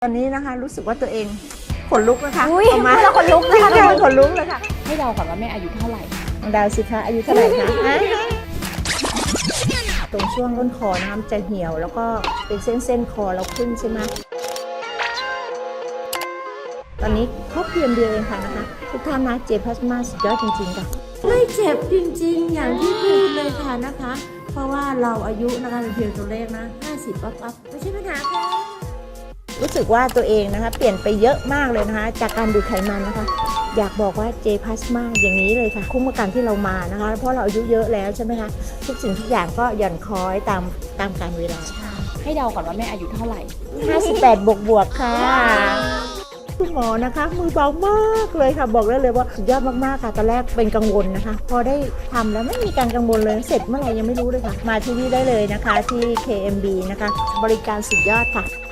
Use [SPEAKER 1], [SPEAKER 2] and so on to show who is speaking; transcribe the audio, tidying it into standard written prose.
[SPEAKER 1] ตอนนี้นะคะรู้สึกว่าตัวเองขนลุกนะคะ
[SPEAKER 2] อุ้ย
[SPEAKER 1] ออกมา
[SPEAKER 2] แล้วขนลุกนะคะ
[SPEAKER 1] ขนลุกเลยค่ะ
[SPEAKER 2] ให้เดาก่อนว่าแม่อายุเท่าไหร่
[SPEAKER 1] น้องดาวสิคะอายุเท่าไหร่คะตรงช่วงต้นคอนะคะมันจะเหี่ยวแล้วก็เป็นเส้นคอเราขึ้นใช่ไหมตอนนี้ครบเพียงเดียวเองค่ะนะคะทุกท่านนะเจพลาสมาสุดยอดจริงๆค่ะไม่เจ็บจริงๆอย่างที่พูดเลยค่ะนะคะ เพราะว่าเราอายุนะคะเป็นเพียงตัวเลขนะ50ปั๊บไม่ใช่ปัญหาค่ะรู้สึกว่าตัวเองนะคะเปลี่ยนไปเยอะมากเลยนะคะจากการดูดไขมันนะคะอยากบอกว่าเจพลาสมาอย่างนี้เลยค่ะคุ้มกับการที่เรามานะคะเพราะเราอายุเยอะแล้วใช่ไหมคะทุกสิ่งทุกอย่างก็หย่อนคล้อยตามกาลเวลา
[SPEAKER 2] ให้เดาก่อนว่าแม่อายุเท่าไหร่
[SPEAKER 1] 58บวกค่ะคุณหมอนะคะมือเบามากเลยค่ะบอกได้เลยว่าสุดยอดมากๆค่ะตอนแรกเป็นกังวลนะคะพอได้ทำแล้วไม่มีการกังวลเลยเสร็จเมื่อไหร่ยังไม่รู้เลยค่ะมาที่นี่ได้เลยนะคะที่ KMB นะคะบริการสุดยอดค่ะ